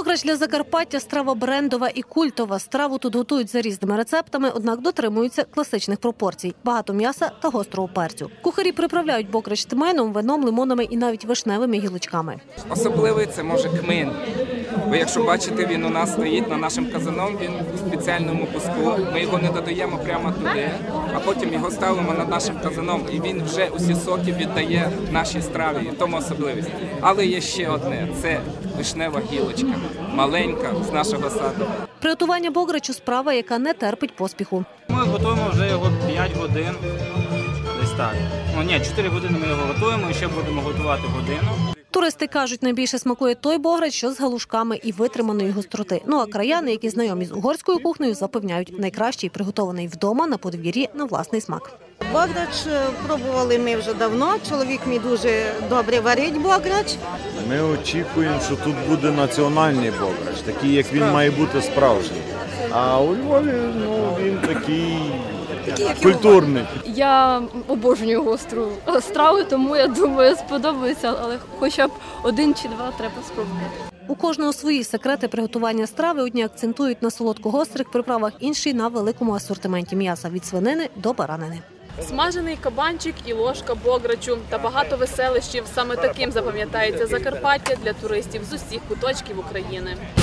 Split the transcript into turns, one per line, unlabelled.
Бограч для Закарпаття – страва брендова і культова. Страву тут готують за різними рецептами, однак дотримуються класичних пропорцій – багато м'яса та гострого перцю. Кухарі приправляють бограч тмином, вином, лимонами і навіть вишневими гілочками.
Особливий це може кмин. Ви якщо бачите, він у нас стоїть на нашому казаном, він у спеціальному куску. Ми його не додаємо прямо туди, а потім його ставимо над нашим казаном. І він вже усі соки віддає нашій страві, в тому особливість. Але є ще одне – це вишнева гілочка, маленька, з нашого саду.
Приготування бограчу – справа, яка не терпить поспіху.
Ми готуємо вже його 5 годин, десь так. 4 години ми його готуємо і ще будемо готувати годину.
Туристи кажуть, найбільше смакує той бограч, що з галушками і витриманої гостроти. Ну а краяни, які знайомі з угорською кухнею, запевняють, найкращий приготований вдома на подвір'ї на власний смак.
Бограч пробували ми вже давно, чоловік мій дуже добре варить бограч.
Ми очікуємо, що тут буде національний бограч, такий, як він має бути справжній. А у Львові він такий культурний.
Я обожнюю гостру страву, тому я думаю, сподобається, але хоча б 1 чи 2 треба спробувати.
У кожного свої секрети приготування страви. Одні акцентують на солодко-гострих приправах, інші – на великому асортименті м'яса – від свинини до баранини.
Смажений кабанчик і ложка бограчу та багато веселищів. Саме таким запам'ятається Закарпаття для туристів з усіх куточків України.